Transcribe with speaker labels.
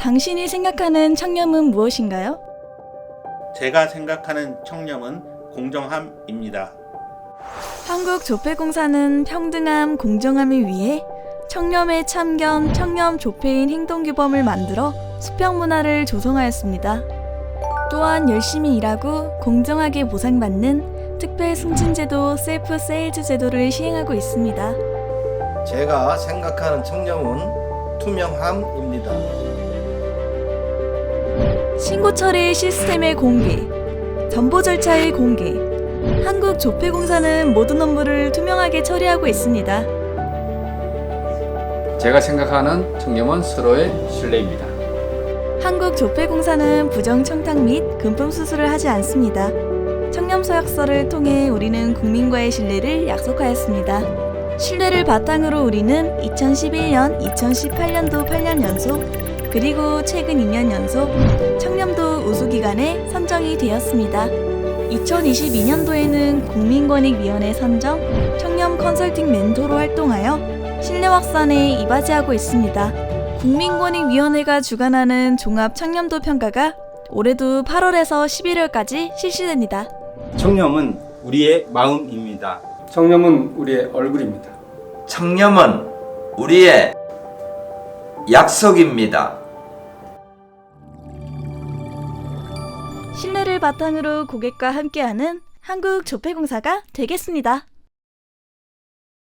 Speaker 1: 당신이 생각하는 청렴은 무엇인가요?
Speaker 2: 제가 생각하는 청렴은 공정함입니다.
Speaker 1: 한국조폐공사는 평등함, 공정함을 위해 청렴의 참견, 청렴조폐인 행동규범을 만들어 수평문화를 조성하였습니다. 또한 열심히 일하고 공정하게 보상받는 특별승진제도 셀프 세일즈 제도를 시행하고 있습니다.
Speaker 3: 제가 생각하는 청렴은 투명함입니다.
Speaker 1: 신고 처리 시스템의 공개, 정보 절차의 공개. 한국조폐공사는 모든 업무를 투명하게 처리하고 있습니다.
Speaker 4: 제가 생각하는 청렴은 서로의 신뢰입니다.
Speaker 1: 한국조폐공사는 부정청탁 및 금품 수수를 하지 않습니다. 청렴서약서를 통해 우리는 국민과의 신뢰를 약속하였습니다. 신뢰를 바탕으로 우리는 2011년, 2018년도 8년 연속, 그리고 최근 2년 연속 청렴도 우수기관에 선정이 되었습니다. 2022년도에는 국민권익위원회 선정 청렴 컨설팅 멘토로 활동하여 신뢰 확산에 이바지하고 있습니다. 국민권익위원회가 주관하는 종합 청렴도 평가가 올해도 8월에서 11월까지 실시됩니다.
Speaker 5: 청렴은 우리의 마음입니다.
Speaker 4: 청렴은 우리의 얼굴입니다.
Speaker 6: 청렴은 우리의 약속입니다.
Speaker 1: 신뢰를 바탕으로 고객과 함께하는 한국조폐공사가 되겠습니다.